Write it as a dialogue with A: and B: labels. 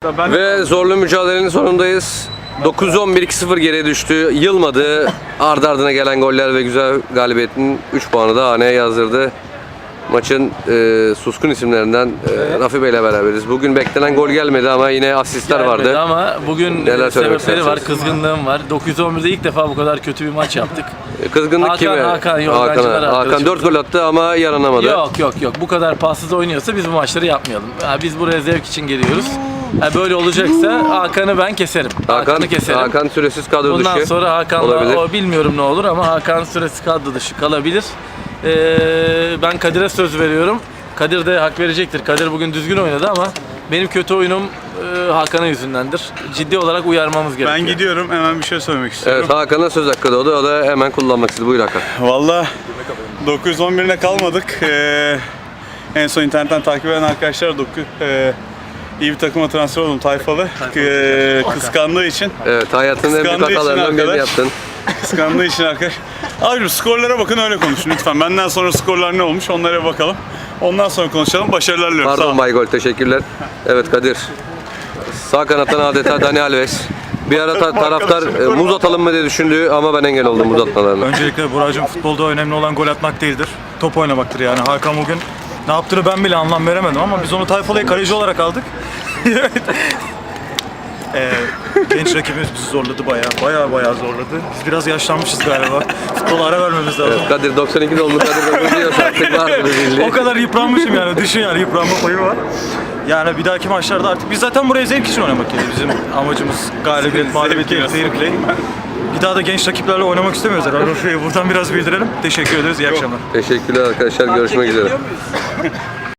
A: Ve zorlu mücadelenin sonundayız. 9-11-2-0 geriye düştü. Yılmadı. Ardı ardına gelen goller ve güzel galibiyetin 3 puanı da haneye yazdırdı. Maçın suskun isimlerinden Rafi Bey ile beraberiz. Bugün beklenen gol gelmedi ama yine asistler vardı.
B: Ama bugün
A: Neler söylemek
B: sebepleri var,
A: istersiniz?
B: kızgınlığım var. 911'de ilk defa bu kadar kötü bir maç yaptık.
A: Kızgınlık kime? Hakan 4 gol attı ama yaranamadı.
B: Yok. Bu kadar passız oynuyorsa biz bu maçları yapmayalım. Biz buraya zevk için geliyoruz. Böyle olacaksa Hakan'ı ben keserim. Hakan'ı keserim.
A: Hakan süresiz kadro dışı.
B: Bundan sonra Hakan'la
A: olabilir.
B: bilmiyorum ne olur ama Hakan süresiz kadro dışı kalabilir. Ben Kadir'e söz veriyorum. Kadir de hak verecektir. Kadir bugün düzgün oynadı ama benim kötü oyunum Hakan'ın yüzündendir. Ciddi olarak uyarmamız gerekiyor.
C: Ben gidiyorum, hemen bir şey söylemek istiyorum.
A: Evet, Hakan'a söz hakkı doğdu. O da hemen kullanmak istedi. Buyur Hakan.
C: Valla 911'ine kalmadık. En son internetten takip eden arkadaşlar iyi bir takıma transfer oldum Tayfalı. Kıskandığı için.
A: Evet, hayatının en büyük
C: Kıskandığı için
A: hatalarından birini
C: arkadaş.
A: yaptın.
C: Kıskandığı için arkadaş. Abicim skorlara bakın, öyle konuşun lütfen. Benden sonra skorlar ne olmuş onlara bakalım. Ondan sonra konuşalım. Başarılar diliyorum. Sağ
A: Pardon
C: olun.
A: Bay Gol, teşekkürler. Evet Kadir. Sağ kanattan adeta Dani Alves. Bir ara taraftar muz atalım mı diye düşündü ama ben engel oldum muz atmalarına.
D: Öncelikle Buracığım, futbolda önemli olan gol atmak değildir. Top oynamaktır yani. Hakan bugün ne yaptığını ben bile anlam veremedim ama biz onu Tayfalı'ya kaleci olarak aldık. Genç rakibimiz bizi zorladı bayağı zorladı. Biz biraz yaşlanmışız galiba. Futbola ara vermemiz lazım.
A: Evet, Kadir 92 doğumlu Kadir de diyorsa artık var mı bildiğin?
D: O kadar yıpranmışım yani. Düşün yani, yıpranma payı var. Yani bir dahaki maçlarda artık biz zaten buraya zevk için oynamak geldik. Bizim amacımız galibiyet, mağlubiyet değil, fair play. Bir daha da genç rakiplerle oynamak istemiyoruz herhalde. Buradan biraz bildirelim. Teşekkür ederiz. İyi akşamlar.
A: Teşekkürler arkadaşlar. Görüşmek üzere.